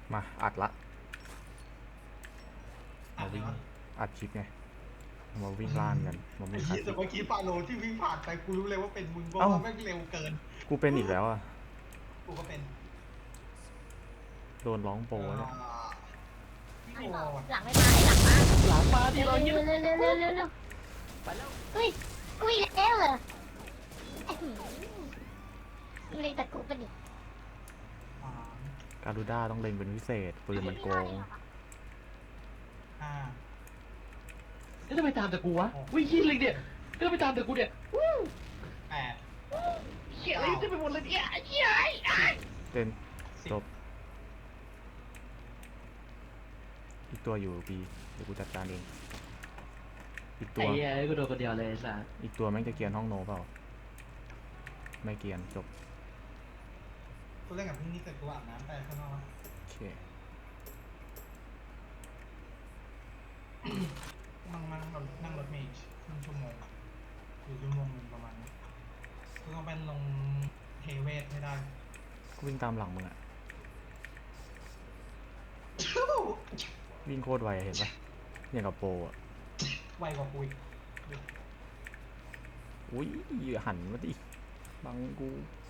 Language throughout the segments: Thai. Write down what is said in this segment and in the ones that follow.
มาอัดละมาวิ่งอ่านไงวะอัดคลิปไงมาวิ่งล่านกันมาไอ้วิ่งคลาสสิกเหี้ยแต่เมื่อกี้ฟาโลที่วิ่งผ่านไปกูรู้เลยว่าเป็นมึงเพราะเอ้าว่าแม่งเร็วเกินกูเป็นอีกแล้วอ่ะกูก็เป็นโดนร้องโปรเนี่ยพี่โอไม่บอกว่ะหลังไม่มาให้หลังมาหลังมาดิเร็วเราเยี่ยมเร็วเร็วเร็วเร็วเร็วเร็วไปแล้วอุ้ยอุ้ยแล้วเหรอเล็งแต่กูเป็นอีกอ่าการูด้าต้องเล็งเป็นพิเศษปืนมันโกงห้าแล้วทำไมตามแต่กูวะวิ่งขี้เลยเนี่ยก็ทำไมตามแต่กูเนี่ยแปดเหี้ยอะไรจะไปหมดเลยเนี่ยเหี้ยเต้นสิบจบอีกตัวอยู่ปีเดี๋ยวกูจัดการเองอีกตัไอ้วเหี้ยกูโดนคนเดียวเลยสัสอีกตัวแม่งจะเกียนห้องโนเปล่าไม่เกียนจบกูเล่นกับพี่นี่เสร็จกูอาบน้ำไปข้างนอกโอเคนั่งรถเมล์ครึ่งชั่วโมงหรือชั่วโมงนึงประมาณนี้กูต้องไปลงเทเวศให้ได้กูวิ่งตามหลังมึงอะวิ่งโคตรไวอะเห็นปะอย่างกับโปรอะไวกว่ากูอีกอุ้ยหันมาดิบังกู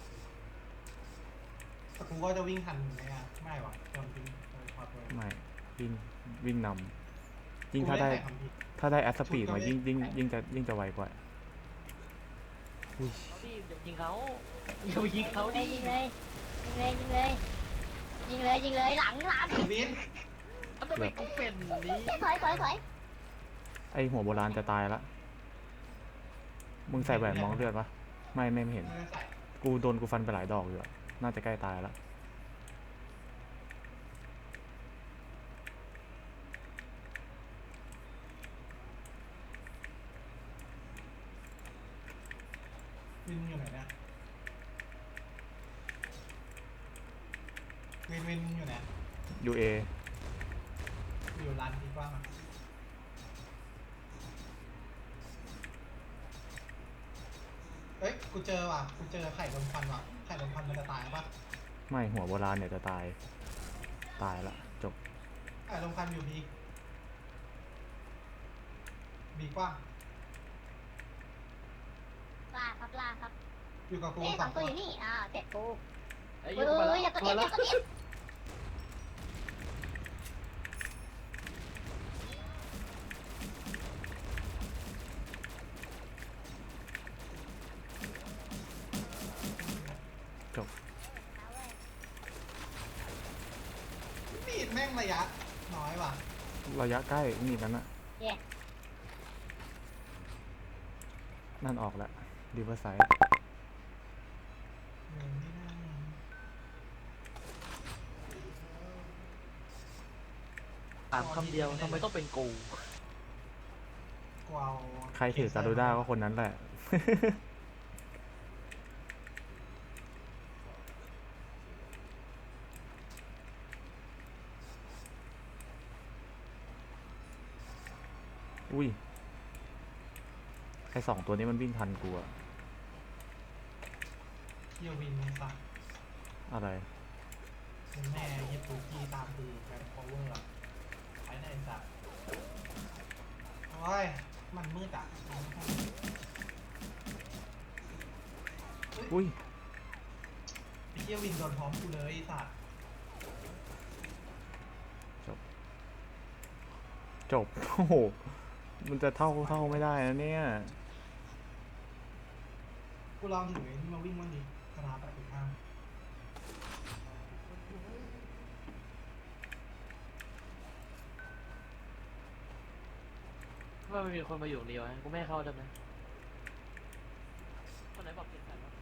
แต่กูก็จะวิ่งทันไหมอ่ะไม่หรอตอนวิ่งพอตัวไม่วิ่งวิ่งนำยิ่งกูถ้าได้เล่นแต่คำผิดถ้าได้แอสปีดมาชุดก็ไม่ยิ่งจะไวกว่าอุ้ยเขาดิอย่ายิงเขาอย่าไปยิงเขาดิยิงเลยยิงเลยยิงเลยยิงเลยยิงเลยหลังหลังวินทำไมกูเป็นนี้ถอยถอยถอยไอหัวโบราณจะตายละมึงใส่แหวนมองเลือดปะไม่เห็นไม่ได้ใส่กูโดนกูฟันไปหลายดอกอยู่อะน่าจะใกล้ตายละวินอยู่ไหนเนี่ยวินอยู่ไหนยูเออยู่ร้านที่กว้างอ่ะเอ้ยกูเจอว่ะกูเจอไข่ลมควันว่ะไข่ลมควันมันจะตายปะไม่หัวโบราณเนี่ยจะตายละจบไข่ลมควันอยู่บีกว้างลาครับลาครับอยู่กับกูเอ๊ะสสออง งตัตัว วอยู่นี่เจ็ดกูไอ้เฮ้เหี้ยกูมาแล้วยอย่ากดมาเอฟอแล้วย่ากดเอฟจบมีดแม่งระยะน้อยว่ะระยะใกล้นี่กันนะเย้นั่นออกแล้วดีเวอร์ไซด์นี่นั่งถามคำเดียวทำไมต้องเป็นกูกูเอาใครถือการูด้าก็คนนั้นแหละ อุ้ยไอสองตัวนี้มันวิ่งทันกูอะเที่ยววินนี่สักอะไรเป็นแม่ยิปปูกี้ตามดูแกนพาวเวอร์ไปไหนสักโอ้ยมันมืดอ่ะอุ้ยไอ้เที่ยววินโดนพร้อมกูเลยไอ้สัตว์จบ จบ โอ้โห มันจะเท่าไม่ได้นะเนี่ยกูลองถือไอ้นี่มาวิ่งวันนี้คารา85 ว่าไม่มีคนมาอยู่นี่วะกูไม่ให้เข้าได้ไหมคนไหนบอกเปลี่ยนแผนวะ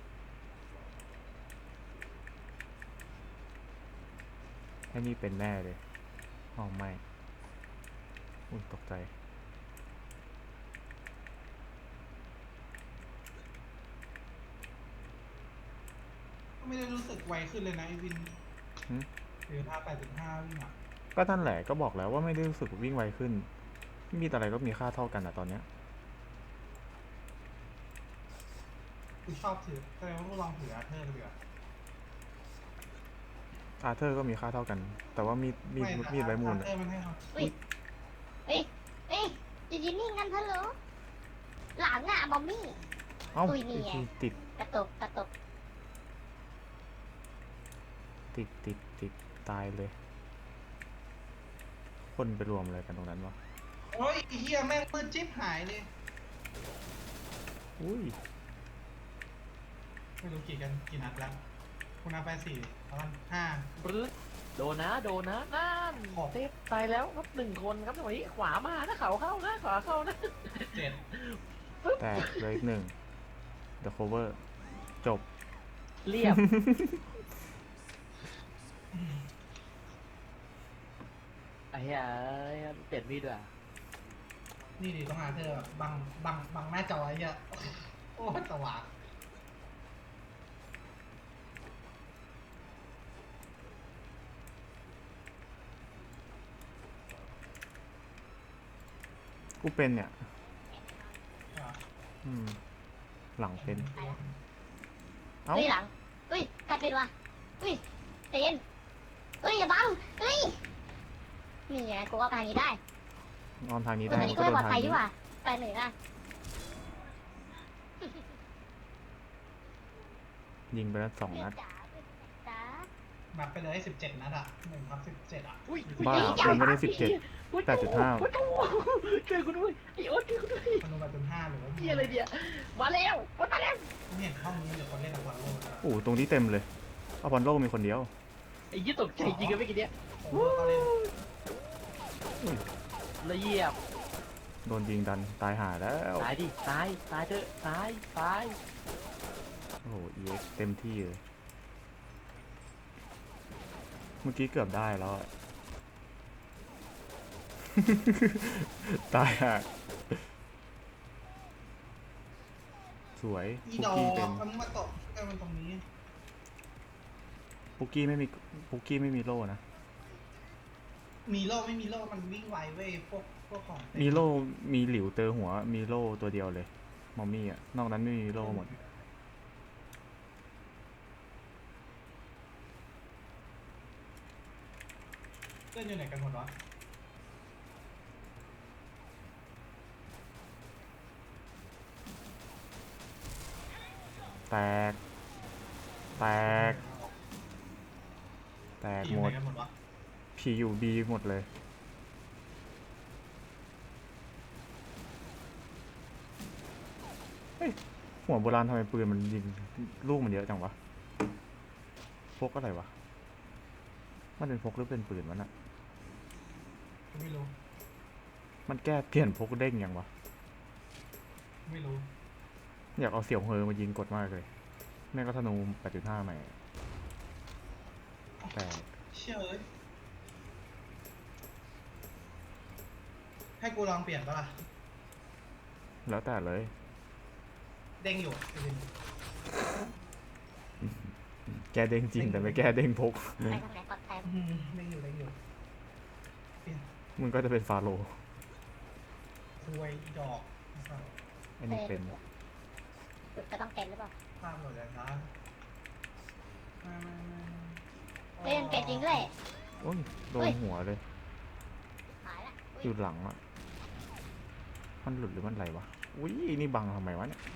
ไอ้นี่เป็นแน่เลยอ๋อไม่ อุ้ยตกใจก็ไม่ได้รู้สึกไวขึ้นเลยนะไอ้วินหึหรือถ้า85วิ่งอ่ะก็นั่นแหละก็บอกแล้วว่าไม่ได้รู้สึกวิ่งไวขึ้น มีอะไรก็มีค่าเท่ากันอะตอนเนี้ยกูชอบถือแสดงว่ากูลองถืออาเธอร์เลยอ่ะอาร์เธอร์ก็มีค่าเท่ากัน แต่ว่ามีดใบมูลเออมันให้เขาเฮ้ยเฮ้ยเฮ้ยจะยืนนิ่งกันเถอะเหรอหลังอ่ะบอมมี่เอ้าอุ้ยนี่ไงติดกระตุกกระตุกติดตายเลย คนไปรวมอะไรกันตรงนั้นวะโอ้ยไอ้เฮียแม่งมืดจิ๊บหายเลยอุ้ยไม่รู้กี่นัดแล้วคุณนับไป4ประมาณ5 ปรึ๊ดโดนนะนั่นขอบเซฟตายแล้วครับ1 คนครับจังหวะนี้ขวามานะเขาเข้านะขวาเข้านะ 7 แตกเลยอีกหนึ่ง The cover จบเรียบ ไอ้เหี้ยเปลี่ยนมีดว่ะนี่ดิต้องหาเธอแบบบังหน้าจอไอ้เหี้ยโอ้ยสว่างกูเป็นเนี่ยอ่ะอืม หลังเป็น เอ้าเฮ้ยหลังเฮ้ยใครเป็นวะเฮ้ยเตียนเฮ้ยอย่าบังเฮ้ยนี่ไงกูว่าทางนี้ได้นอนทางนี้ตได้อนนี้ก็ก็ไม่เดิปลอน ดทางภัยดีนี้กว่าไปหนึ่งนะยิงไปแล้ว2 นัดจ๋านับไปเลย17 นัดอ่ะ1/17อ่ะอุ้ยบ้ามันไม่ได้17 8.5 ช่วยกูด้วยไอ้โอ๊ตช่วยกูด้วยคนดูแบบ5หรือว่าเหี้ยอะไรเนี่ยมาแล้วมาแล้วไม่เห็นห้องนี้เดี๋ยวคนเล่นกับวันโลกแล้วโอ้ตรงนี้เต็มเลยอพอลโลมีคนเดียวไอ้ยี่ตกใจจริงกันเมื่อกี้เนี้ยโอ้โหเขาเล่นละเอียบโดนยิงดันตายหาแล้วตายดิตายเถอะตายโอ้โห EX เต็มที่เลย เมื่อกี้เกือบได้แล้วอะ ตายห่าสวยอีปุกดอกกี้เต็มมันมาตกมันตรงนี้ปุกกี้ไม่มีโล่นะมีโล่ไม่มีโล่มันวิ่งไวเว้ยพวกของเต็มีโล่มีหลิวเตอหัว มีโล่ตัวเดียวเลย มอมมี่อะนอกนั้นไม่มีโล่หมดเล่นอยู่ไหนกันหมดวะแตก แตก แตกทีมหมไหนดกันหมดวะผีอยู่บีหมดเลย เฮ้ย หัวโบราณทำไมปืนมันยิงลูกมันเยอะจังวะ พกอะไรวะ มันเป็นพกหรือเป็นปืนมันอะไม่รู้มันแก้เปลี่ยนพกเด้งยังวะไม่รู้อยากเอาเสี่ยวเฮอมายิงกดมากเลย แม่งก็ธนู 8.5 ใหม่ แต่เชื่อเลยให้กูลองเปลี่ยนปะล่ะแล้วแต่เลยเด้งอยู่จริงแก้เด้งจริงแต่ไม่แก้เด้งพกไปทางไหนปลอดภัยเด้งอยู่เปลี่ยนมึงก็จะเป็นฟาโรห์รวยอีดอกอันนี้เป็นจะต้องเป็นหรือเปล่าภาพหมดแล้วนะมาเล่นเป็นจริงด้วยโอ้ย โดนหัวเลยหายละอยู่หลังอะมันหลุดหรือมันไหลวะ อุ้ย นี่บังทำไมวะเนี่ย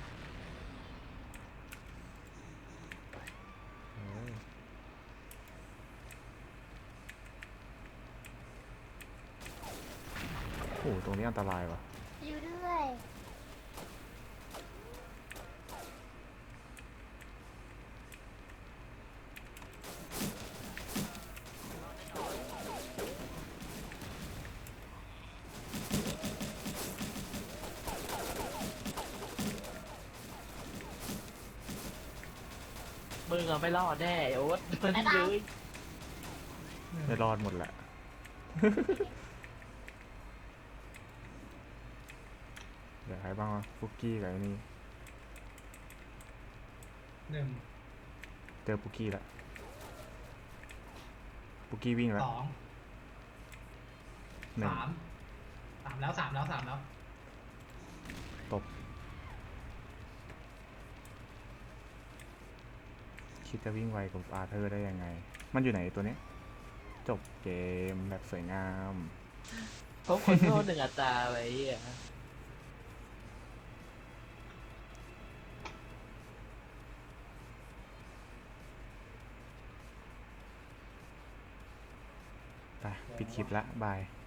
เออโอ้โหตรงนี้อันตรายวะอยู่ด้วยมึงอะไม่รอดแน่ไอ้โอ๊ตมันเลยไม่รอดหมดแหละ เดี๋ยวใครบ้างวะฟุกกี้กับไอ้นี่ 1 เจอปุกกี้ละปุกกี้วิ่งแล้ว 2 หนึ่ง 3แล้ว3แล้วตบ คิดจะวิ่งไวกับอาร์เธอร์ได้ยังไงมันอยู่ไหนตัวนี้ จบเกมแบบสวยงามเพราะคนโง่หนึ่งอัตราไว้อ่ะไปปิดคลิปละบาย